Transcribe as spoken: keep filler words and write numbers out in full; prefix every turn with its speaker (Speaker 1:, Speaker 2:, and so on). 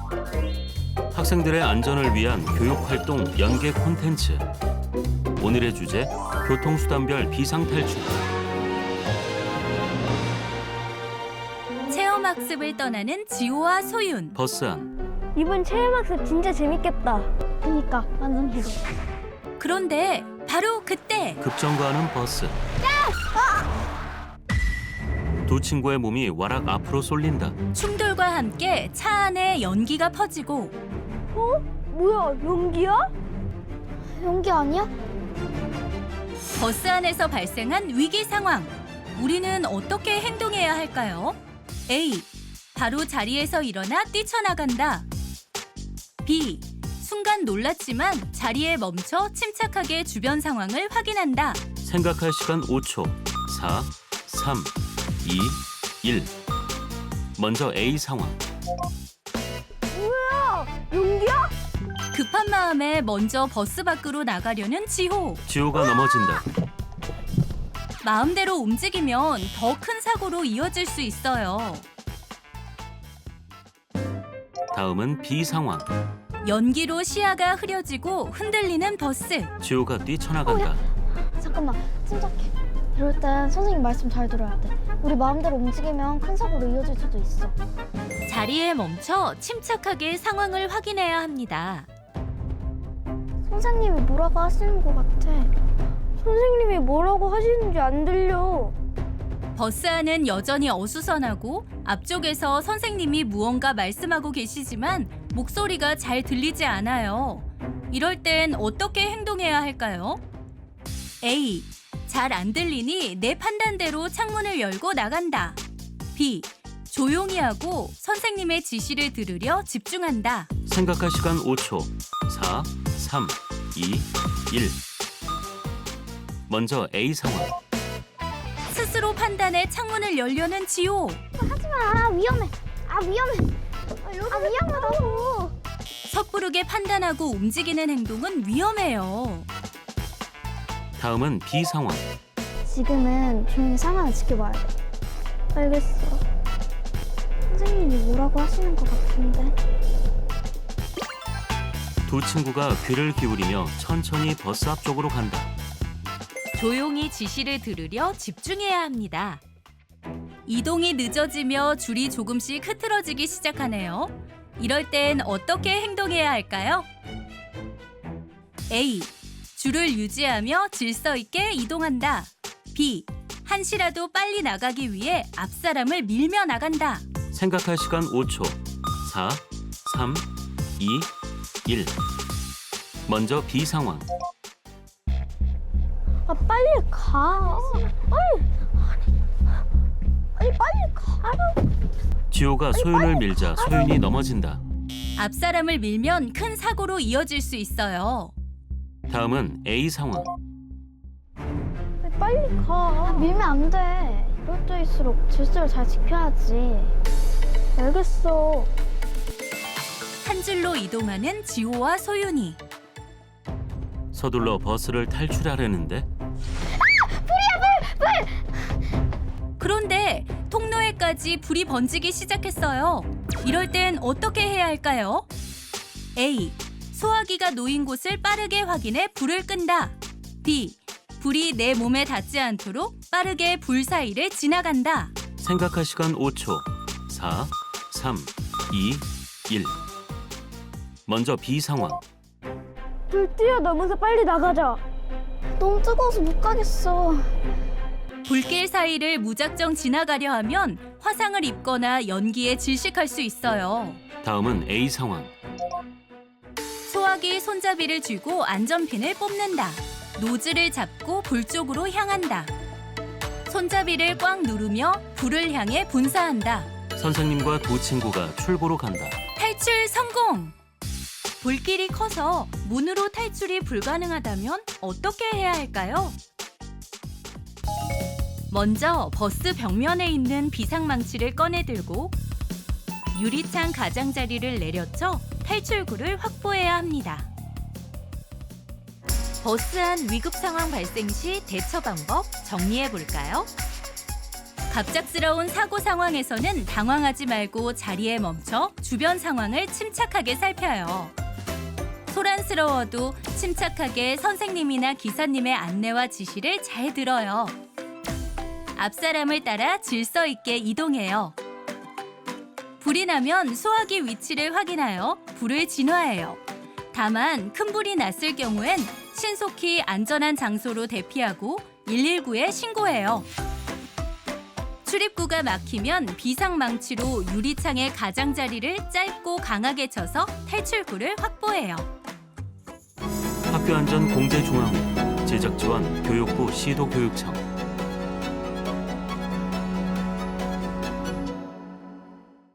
Speaker 1: 학생들의 안전을 위한 교육활동 연계 콘텐츠. 오늘의 주제, 교통수단별 비상탈출.
Speaker 2: 체험학습을 떠나는 지호와 소윤.
Speaker 1: 버스 안.
Speaker 3: 이번 체험학습 진짜 재밌겠다. 그니까 완전 기대.
Speaker 2: 그런데 바로 그때
Speaker 1: 급정거하는 버스. 두 친구의 몸이 와락 앞으로 쏠린다.
Speaker 2: 충돌과 함께 차 안에 연기가 퍼지고
Speaker 3: 어? 뭐야, 연기야? 연기 아니야?
Speaker 2: 버스 안에서 발생한 위기 상황. 우리는 어떻게 행동해야 할까요? A. 바로 자리에서 일어나 뛰쳐나간다. B. 순간 놀랐지만 자리에 멈춰 침착하게 주변 상황을 확인한다.
Speaker 1: 생각할 시간 오 초. 사, 삼, 이, 일. 먼저 A 상황.
Speaker 3: 뭐야, 연기야?
Speaker 2: 급한 마음에 먼저 버스 밖으로 나가려는 지호.
Speaker 1: 지호가 넘어진다.
Speaker 2: 마음대로 움직이면 더 큰 사고로 이어질 수 있어요.
Speaker 1: 다음은 B 상황.
Speaker 2: 연기로 시야가 흐려지고 흔들리는 버스.
Speaker 1: 지호가 뛰쳐나간다.
Speaker 3: 잠깐만, 침착해. 이럴 땐 선생님 말씀 잘 들어야 돼. 우리 마음대로 움직이면 큰 사고로 이어질 수도 있어.
Speaker 2: 자리에 멈춰 침착하게 상황을 확인해야 합니다.
Speaker 3: 선생님이 뭐라고 하시는 것 같아. 선생님이 뭐라고 하시는지 안 들려.
Speaker 2: 버스 안은 여전히 어수선하고 앞쪽에서 선생님이 무언가 말씀하고 계시지만 목소리가 잘 들리지 않아요. 이럴 땐 어떻게 행동해야 할까요? A. 잘 안 들리니 내 판단대로 창문을 열고 나간다. B. 조용히 하고 선생님의 지시를 들으려 집중한다.
Speaker 1: 생각할 시간 오 초. 사, 삼, 이, 일. 먼저 A 상황.
Speaker 2: 스스로 판단해 창문을 열려는 지호.
Speaker 3: 아, 위험해. 아, 위험해. 아, 위험하다고.
Speaker 2: 섣부르게 판단하고 움직이는 행동은 위험해요.
Speaker 1: 다음은 B 상황.
Speaker 3: 지금은 조용히 상황을 지켜봐야 돼. 알겠어. 선생님이 뭐라고 하시는 것 같은데.
Speaker 1: 두 친구가 귀를 기울이며 천천히 버스 앞쪽으로 간다.
Speaker 2: 조용히 지시를 들으려 집중해야 합니다. 이동이 늦어지며 줄이 조금씩 흐트러지기 시작하네요. 이럴 땐 어떻게 행동해야 할까요? A. 줄을 유지하며 질서 있게 이동한다. B. 한시라도 빨리 나가기 위해 앞사람을 밀며 나간다.
Speaker 1: 생각할 시간 오 초. 사, 삼, 이, 일. 먼저 B 상황.
Speaker 3: 아, 빨리 가. 아니, 아니, 빨리 가라고.
Speaker 1: 지호가 소윤을 밀자 소윤이 넘어진다.
Speaker 2: 앞사람을 밀면 큰 사고로 이어질 수 있어요.
Speaker 1: 다음은 A 상황.
Speaker 3: 빨리 가. 아, 밀면 안 돼. 이럴 때일수록 질서를 잘 지켜야지. 알겠어.
Speaker 2: 한 줄로 이동하는 지호와 소윤이.
Speaker 1: 서둘러 버스를 탈출하려는데
Speaker 2: 그런데 통로에까지 불이 번지기 시작했어요. 이럴 땐 어떻게 해야 할까요? A. 소화기가 놓인 곳을 빠르게 확인해 불을 끈다. B. 불이 내 몸에 닿지 않도록 빠르게 불 사이를 지나간다.
Speaker 1: 생각할 시간 오 초. 사, 삼, 이, 일. 먼저 B 상황.
Speaker 3: 불 뛰어넘어서 빨리 나가자. 너무 뜨거워서 못 가겠어.
Speaker 2: 불길 사이를 무작정 지나가려 하면 화상을 입거나 연기에 질식할 수 있어요.
Speaker 1: 다음은 A 상황.
Speaker 2: 소화기 손잡이를 쥐고 안전핀을 뽑는다. 노즐을 잡고 불 쪽으로 향한다. 손잡이를 꽉 누르며 불을 향해 분사한다.
Speaker 1: 선생님과 두 친구가 출구로 간다.
Speaker 2: 탈출 성공! 불길이 커서 문으로 탈출이 불가능하다면 어떻게 해야 할까요? 먼저 버스 벽면에 있는 비상망치를 꺼내 들고 유리창 가장자리를 내려쳐 탈출구를 확보해야 합니다. 버스 안 위급 상황 발생 시 대처 방법 정리해 볼까요? 갑작스러운 사고 상황에서는 당황하지 말고 자리에 멈춰 주변 상황을 침착하게 살펴요. 소란스러워도 침착하게 선생님이나 기사님의 안내와 지시를 잘 들어요. 앞 사람을 따라 질서 있게 이동해요. 불이 나면 소화기 위치를 확인하여 불을 진화해요. 다만 큰 불이 났을 경우엔 신속히 안전한 장소로 대피하고 일일구에 신고해요. 출입구가 막히면 비상망치로 유리창의 가장자리를 짧고 강하게 쳐서 탈출구를 확보해요.
Speaker 1: 학교안전공제중앙회 제작지원 교육부 시도교육청